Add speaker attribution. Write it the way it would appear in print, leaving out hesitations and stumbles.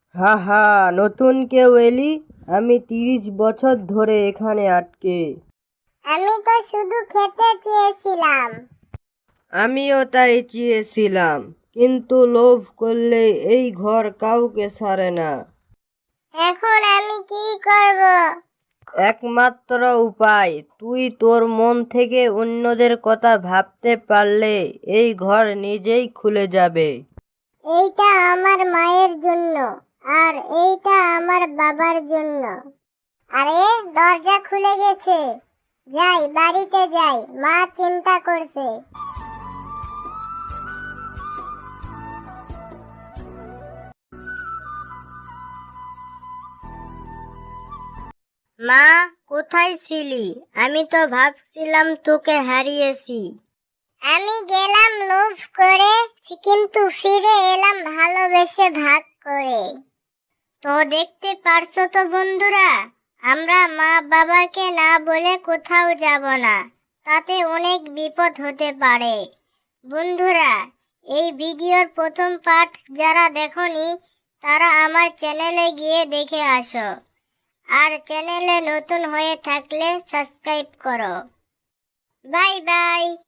Speaker 1: হা হা, নতুন কেউ এলি? আমি 30 বছর ধরে এখানে আটকে।
Speaker 2: আমি তো শুধু খেতে চেয়েছিলাম।
Speaker 1: আমিও তাই চেয়েছিলাম, কিন্তু লোভ করলে এই ঘর কাউকে ছাড়ে না।
Speaker 2: এখন আমি কি করব?
Speaker 1: একমাত্র উপায়, তুই তোর মন থেকে অন্যদের কথা ভাবতে পারলে এই ঘর নিজেই খুলে যাবে।
Speaker 2: এইটা আমার মায়ের জন্য, আর এইটা আমার বাবার জন্য। আরে, দরজা খুলে গেছে। যাই, বাড়িতে যাই, মা চিন্তা করছে।
Speaker 1: মা, কোথায় ছিলি? আমি তো ভাবছিলাম তোকে হারিয়েছি।
Speaker 2: আমি গেলাম লোভ করে, কিন্তু ফিরে এলাম ভালোবেসে ভাগ করে।
Speaker 1: তো দেখতে পারছো তো বন্ধুরা, আমরা মা বাবাকে না বলে কোথাও যাব না, তাতে অনেক বিপদ হতে পারে। বন্ধুরা, এই ভিডিওর প্রথম পার্ট যারা দেখোনি তারা আমার চ্যানেলে গিয়ে দেখে আসো, আর চ্যানেলে নতুন হয়ে থাকলে সাবস্ক্রাইব করো। Bye by.